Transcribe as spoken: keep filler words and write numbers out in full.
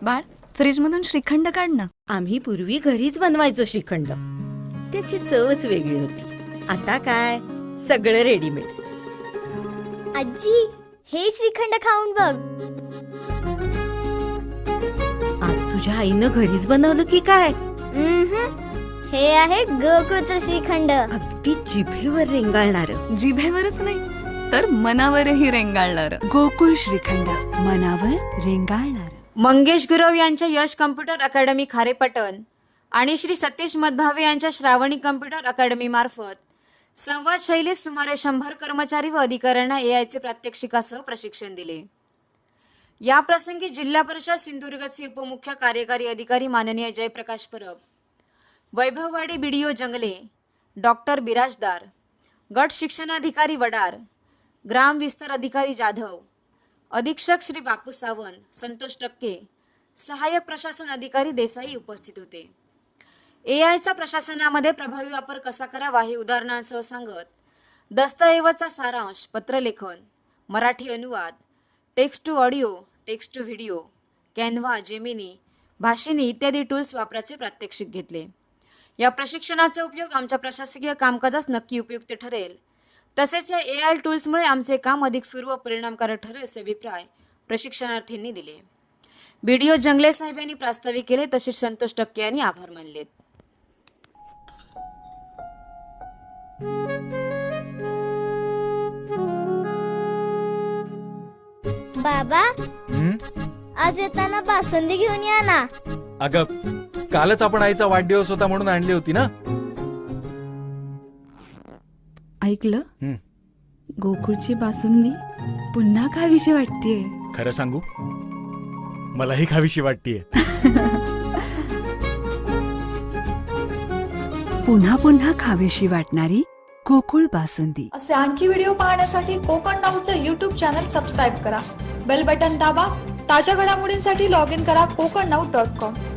बाळ, फ्रीज मधून श्रीखंड काढ ना. आम्ही पूर्वी घरीच बनवायचो श्रीखंड. त्याची चवच वेगळी होती. आता काय सगळं रेडीमेड. आजी, हे श्रीखंड खाऊन बघ. आज तुझ्या आईनं घरीच बनवलं की काय? उम्हम. हे आहे गोकुळचं श्रीखंड. अगदी जिभेवर रेंगाळणार. जिभेवरच नाही तर मनावरही रेंगाळणार. गोकुळ श्रीखंड, मनावर रेंगाळणार. मंगेश गुरव यांच्या यश कम्प्युटर अकॅडमी खारेपटण आणि श्री सतीश मधभावे यांच्या श्रावणी कम्प्युटर अकॅडमी मार्फत संवाद शैलीत सुमारे शंभर कर्मचारी व अधिकाऱ्यांना ए आयचे प्रात्यक्षिकासह प्रशिक्षण दिले. या प्रसंगी जिल्हा परिषद सिंधुदुर्गचे उपमुख्य कार्यकारी अधिकारी माननीय जयप्रकाश परब, वैभववाडी बीडीओ जंगले, डॉक्टर बिराजदार, गट शिक्षणाधिकारी वडार, ग्राम विस्तार अधिकारी जाधव, अधीक्षक श्री बापू सावंत, संतोष टक्के, सहाय्यक प्रशासन अधिकारी देसाई उपस्थित होते. ए आयचा प्रशासनामध्ये प्रभावी वापर कसा करावा हे उदाहरणांसह सांगत दस्तऐवजचा सारांश, पत्रलेखन, मराठी अनुवाद, text to audio, text to video, Canva, Gemini, Bhashini इत्यादी टूल्स वापराचे प्रात्यक्षिक घेतले. या प्रशिक्षणाचा उपयोग आमच्या प्रशासकीय कामकाजास नक्की उपयुक्त ठरेल. तसेच या ए आय टूल्समुळे आमचे काम अधिक सुरू व परिणामकारक ठरेल असे अभिप्राय प्रशिक्षणार्थींनी दिले. बीडीओ जंगले साहेब यांनी प्रास्ताविक केले, तसेच संतोष टक्के यांनी आभार मानलेत. बाबा, हं? आज येताना बासुंदी घेऊन या ना. अगं, कालच आपण आईचा वाढदिवस होता म्हणून आणली होती ना. ऐकलं? हं. गोकुळची बासुंदी पुन्हा खावीशी वाटतेय. खरं सांगू, मलाही खावीशी वाटतीये. पुन्हा पुन्हा खावीशी वाटणारी गोकुळ बासुंदी. असे आणखी व्हिडिओ पाहण्यासाठी कोकण नाऊचं यूट्यूब चॅनल सबस्क्राईब करा. बेल बटन दाबा. ताज्या घडामोडींसाठी लॉग इन करा कोकण नाऊ डॉट कॉम.